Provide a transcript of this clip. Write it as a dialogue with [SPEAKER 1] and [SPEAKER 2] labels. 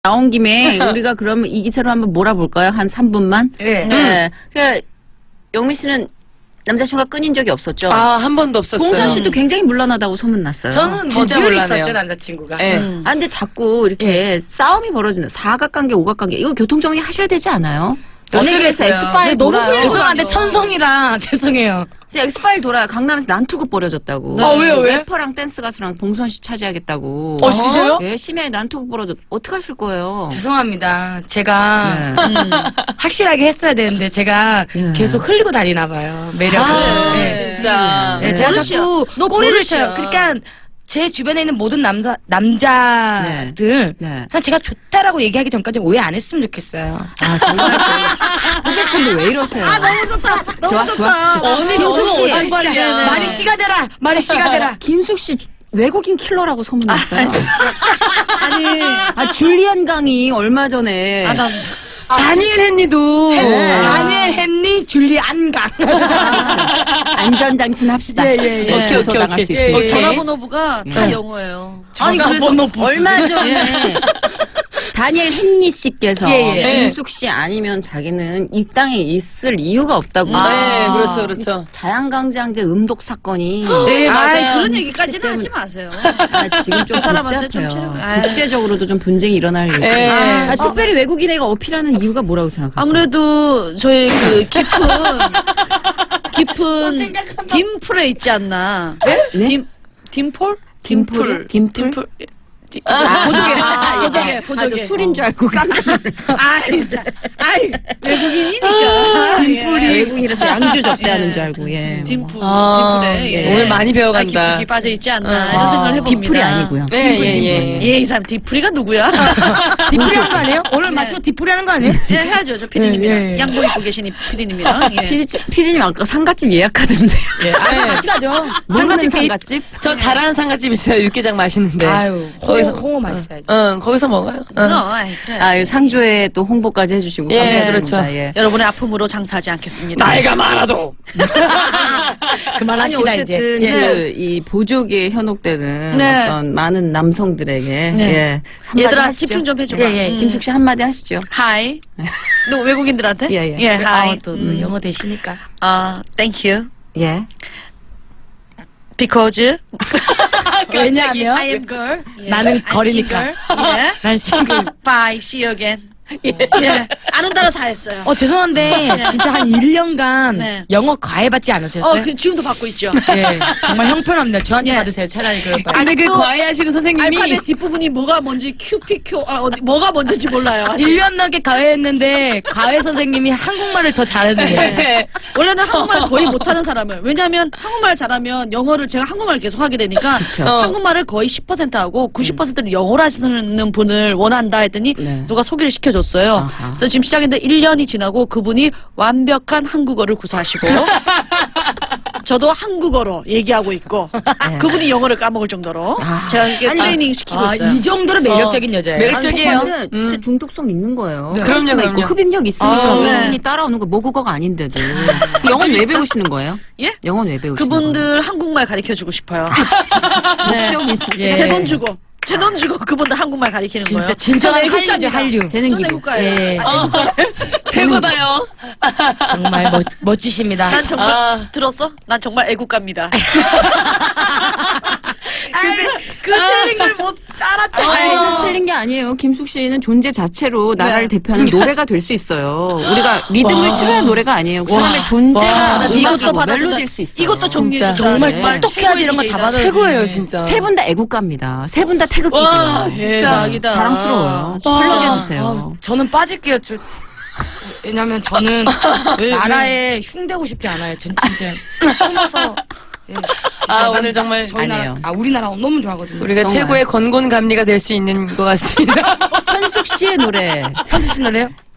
[SPEAKER 1] 나온 김에 우리가 그러면 이 기사로 한번 몰아볼까요? 한 3분만?
[SPEAKER 2] 네.
[SPEAKER 1] 네. 그러니까 영미 씨는 남자친구가 끊인 적이 없었죠?
[SPEAKER 3] 한 번도 없었어요.
[SPEAKER 1] 봉선 씨도 굉장히 물러나다고 소문났어요.
[SPEAKER 2] 저는
[SPEAKER 3] 진짜
[SPEAKER 2] 늘
[SPEAKER 3] 몰라네요.
[SPEAKER 2] 있었죠, 남자친구가.
[SPEAKER 3] 네.
[SPEAKER 1] 아, 근데 자꾸 이렇게 싸움이 벌어지는 사각관계, 오각관계 이거 교통정리 하셔야 되지 않아요? 연예계에서
[SPEAKER 2] 어쩌겠어요.
[SPEAKER 1] 엑스파일
[SPEAKER 2] 너무
[SPEAKER 1] 돌아요.
[SPEAKER 2] 죄송한데 천성이라 죄송해요.
[SPEAKER 1] 이제 엑스파일 돌아요. 강남에서 난투극 벌어졌다고.
[SPEAKER 2] 왜요, 왜?
[SPEAKER 1] 래퍼랑 댄스 가수랑 봉선 씨 차지하겠다고.
[SPEAKER 2] 진짜요?
[SPEAKER 1] 예, 심야에 난투극 벌어졌. 어떻게 하실 거예요?
[SPEAKER 2] 죄송합니다. 제가
[SPEAKER 1] 네.
[SPEAKER 2] 확실하게 했어야 되는데 제가
[SPEAKER 1] 네.
[SPEAKER 2] 계속 흘리고 다니나 봐요. 매력을. 네.
[SPEAKER 3] 진짜.
[SPEAKER 2] 네, 제가
[SPEAKER 4] 버릇이야.
[SPEAKER 2] 자꾸
[SPEAKER 4] 너
[SPEAKER 2] 꼬리를
[SPEAKER 4] 버릇이야.
[SPEAKER 2] 쳐요. 그러니까 제 주변에 있는 모든 남자들
[SPEAKER 1] 네.
[SPEAKER 2] 그냥 제가 좋다라고 얘기하기 전까지 오해 안 했으면 좋겠어요.
[SPEAKER 1] 아, 정말. 후배분들 왜 이러세요?
[SPEAKER 4] 너무 좋다. 너무
[SPEAKER 1] 좋아,
[SPEAKER 4] 좋다.
[SPEAKER 1] 좋아.
[SPEAKER 3] 언니
[SPEAKER 1] 김숙
[SPEAKER 3] 너무
[SPEAKER 1] 씨.
[SPEAKER 3] 오랜만이야.
[SPEAKER 2] 말이 씨가 되라. 말이 씨가 되라.
[SPEAKER 1] 김숙 씨 외국인 킬러라고 소문났어요.
[SPEAKER 4] 아니,
[SPEAKER 1] 줄리안 강이 얼마 전에
[SPEAKER 3] 다니엘 헨리도.
[SPEAKER 2] 다니엘 헨리 줄리 안강.
[SPEAKER 1] 안전장치는 합시다.
[SPEAKER 2] 예.
[SPEAKER 1] 뭐 교소
[SPEAKER 3] 오케이,
[SPEAKER 1] 당할 수
[SPEAKER 3] 오케이.
[SPEAKER 1] 있으니까.
[SPEAKER 4] 전화번호부가 다 영어예요.
[SPEAKER 1] 아니 그래서 얼마 전에 다니엘 헨리 씨께서
[SPEAKER 2] 예.
[SPEAKER 1] 김숙 씨 아니면 자기는 이 땅에 있을 이유가 없다고.
[SPEAKER 3] 네, 그렇죠, 그렇죠.
[SPEAKER 1] 자양강장제 음독 사건이
[SPEAKER 3] 네, 맞아요.
[SPEAKER 4] 그런 얘기까지는 하지 마세요.
[SPEAKER 1] 지금 좀
[SPEAKER 4] 사람한테 좀
[SPEAKER 1] 복잡해요.
[SPEAKER 4] 체력-
[SPEAKER 1] 국제적으로도 좀 분쟁이 일어날 예정.
[SPEAKER 3] 네.
[SPEAKER 1] 특별히 외국인에게 어필하는 이유가 뭐라고 생각하세요?
[SPEAKER 4] 아무래도 저희 그 깊은 딤플에 있지 않나?
[SPEAKER 1] 네?
[SPEAKER 4] 딤폴?
[SPEAKER 1] 딤플? 딤플?
[SPEAKER 4] 보조개.
[SPEAKER 1] 술인 줄 알고 깜짝
[SPEAKER 4] 진짜. 외국인이니까.
[SPEAKER 1] 딤플이 외국인이라서 양주 접대하는 줄 알고. 예.
[SPEAKER 4] 딤플에. 예.
[SPEAKER 3] 오늘 많이 배워간다.
[SPEAKER 4] 깊숙이 빠져 있지 않나 이런 생각을 해봅니다.
[SPEAKER 1] 딤플이 아니고요.
[SPEAKER 3] 예.
[SPEAKER 4] 이 사람 딤플이가 누구야?
[SPEAKER 2] 디프리 하는 거 아니에요? 오늘 맞죠? 디프리 하는 거 아니에요?
[SPEAKER 4] 예, 해야죠. 저 피디님이랑 양복 입고 계신 이 피디님이랑. 예.
[SPEAKER 1] 피디님 아까 상갓집 예약하던데.
[SPEAKER 2] 같이 가죠.
[SPEAKER 1] 상갓집 상갓집?
[SPEAKER 3] 저 잘하는 상가집 있어요. 육개장 맛있는데.
[SPEAKER 2] 아유,
[SPEAKER 3] 거기서-
[SPEAKER 2] 홍어 맛있어야지.
[SPEAKER 3] 거기서 먹어요.
[SPEAKER 4] 그래.
[SPEAKER 1] 아, 상조에 또 홍보까지 해주시고.
[SPEAKER 3] 예,
[SPEAKER 1] 감사합니다.
[SPEAKER 3] 그렇죠.
[SPEAKER 1] 예.
[SPEAKER 4] 여러분의 아픔으로 장사하지 않겠습니다.
[SPEAKER 3] 나이가 많아도.
[SPEAKER 1] 아니,
[SPEAKER 2] 그만합시다 이제.
[SPEAKER 1] 어쨌든 이 보조기에 현혹되는
[SPEAKER 4] 네.
[SPEAKER 1] 어떤 많은 남성들에게
[SPEAKER 4] 네.
[SPEAKER 1] 예, 한마디
[SPEAKER 4] 얘들아
[SPEAKER 1] 하시죠.
[SPEAKER 4] 집중 좀 해줘봐.
[SPEAKER 1] 김숙 씨 한마디 하시죠.
[SPEAKER 4] 하이. 너 외국인들한테?
[SPEAKER 1] 예.
[SPEAKER 4] 하이.
[SPEAKER 2] 또 영어 되시니까.
[SPEAKER 4] thank you.
[SPEAKER 1] 예.
[SPEAKER 4] Because
[SPEAKER 2] 왜냐하면
[SPEAKER 4] I am girl.
[SPEAKER 2] 나는
[SPEAKER 4] I'm
[SPEAKER 2] 거리니까.
[SPEAKER 4] single. 예.
[SPEAKER 2] 난 싱글.
[SPEAKER 4] Bye. See you again. 예. 아는 단어 다 했어요.
[SPEAKER 2] 죄송한데 진짜 한 1년간
[SPEAKER 4] 네.
[SPEAKER 2] 영어 과외 받지 않으셨어요?
[SPEAKER 4] 지금도 받고 있죠.
[SPEAKER 2] 예, 정말 형편없네요. 저한테
[SPEAKER 4] 예.
[SPEAKER 2] 받으세요. 차라리 그럴 바에.
[SPEAKER 3] 근데 그
[SPEAKER 4] 아직도
[SPEAKER 3] 과외하시는 선생님이
[SPEAKER 4] 알파벳 뒷부분이 뭐가 뭔지 QPQ 뭐가 뭔지 몰라요. 아직.
[SPEAKER 2] 1년 넘게 과외했는데 과외 선생님이 한국말을 더 잘했는데.
[SPEAKER 3] 네.
[SPEAKER 4] 원래는 한국말을 거의 못하는 사람을 왜냐하면 한국말 잘하면 영어를 제가 한국말을 계속 하게 되니까 한국말을 거의 10% 하고 90%를 영어로 하시는 분을 원한다 했더니
[SPEAKER 1] 네.
[SPEAKER 4] 누가 소개를 시켜줬어요.
[SPEAKER 1] 아하.
[SPEAKER 4] 그래서 지금 시작했는데 1년이 지나고 그분이 완벽한 한국어를 구사하시고 저도 한국어로 얘기하고 있고 그분이 영어를 까먹을 정도로 제가 이렇게 트레이닝 시키고 있어요.
[SPEAKER 2] 이 정도로 매력적인 여자예요.
[SPEAKER 3] 매력적이에요.
[SPEAKER 1] 근데 진짜 중독성 있는 거예요.
[SPEAKER 3] 그럼요,
[SPEAKER 1] 카리스마 있고
[SPEAKER 3] 그럼요.
[SPEAKER 1] 흡입력 있으니까
[SPEAKER 4] 네.
[SPEAKER 1] 외국인이 따라오는 거 모국어가 아닌데도. 영어 왜 배우시는 거예요?
[SPEAKER 4] 예?
[SPEAKER 1] 영어 왜 배우시는
[SPEAKER 4] 그분들 한국말 가르쳐주고 싶어요.
[SPEAKER 1] 거예요? 목적 있을 때.
[SPEAKER 4] 제 돈 주고 그분들 한국말 가르치는 거예요.
[SPEAKER 2] 진짜 진정한
[SPEAKER 4] 저는
[SPEAKER 2] 한류죠,
[SPEAKER 4] 애국자입니다.
[SPEAKER 2] 한류.
[SPEAKER 1] 재능
[SPEAKER 4] 전
[SPEAKER 1] 기부.
[SPEAKER 4] 애국가예요.
[SPEAKER 2] 예.
[SPEAKER 3] 최고다요.
[SPEAKER 2] 정말 멋지십니다.
[SPEAKER 4] 난 정말 들었어? 난 정말 애국가입니다. 근데 그 틀린 걸 못 알았잖아요.
[SPEAKER 1] 틀린 게 아니에요. 김숙 씨는 존재 자체로 나라를 대표하는 노래가 될 수 있어요. 우리가 리듬을 싫어하는 노래가 아니에요. 그 사람의 존재가
[SPEAKER 4] 이것도
[SPEAKER 1] 멜로디일
[SPEAKER 4] 받아줄
[SPEAKER 1] 수 있어요.
[SPEAKER 4] 이것도 정리해
[SPEAKER 3] 진짜.
[SPEAKER 4] 주다.
[SPEAKER 2] 정말 똑똑해야지 이런 거 다 받아요.
[SPEAKER 3] 최고예요, 진짜.
[SPEAKER 1] 세 분 다 애국가입니다. 세 분 다
[SPEAKER 3] 와,
[SPEAKER 1] 태극기고요.
[SPEAKER 3] 진짜.
[SPEAKER 4] 대박이다.
[SPEAKER 1] 자랑스러워요. 설명해주세요.
[SPEAKER 2] 저는 빠질게요. 왜냐면 저는
[SPEAKER 4] 왜?
[SPEAKER 2] 나라에 흉대고 싶지 않아요. 전 진짜 숨어서. 예, 진짜 난
[SPEAKER 3] 오늘 정말
[SPEAKER 2] 저희
[SPEAKER 1] 아니에요.
[SPEAKER 2] 나라, 우리나라 너무 좋아하거든요.
[SPEAKER 3] 우리가
[SPEAKER 1] 정말.
[SPEAKER 3] 최고의 건곤감리가 될 수 있는 것 같습니다.
[SPEAKER 1] 현숙 씨의 노래.
[SPEAKER 2] 현수 씨 노래요?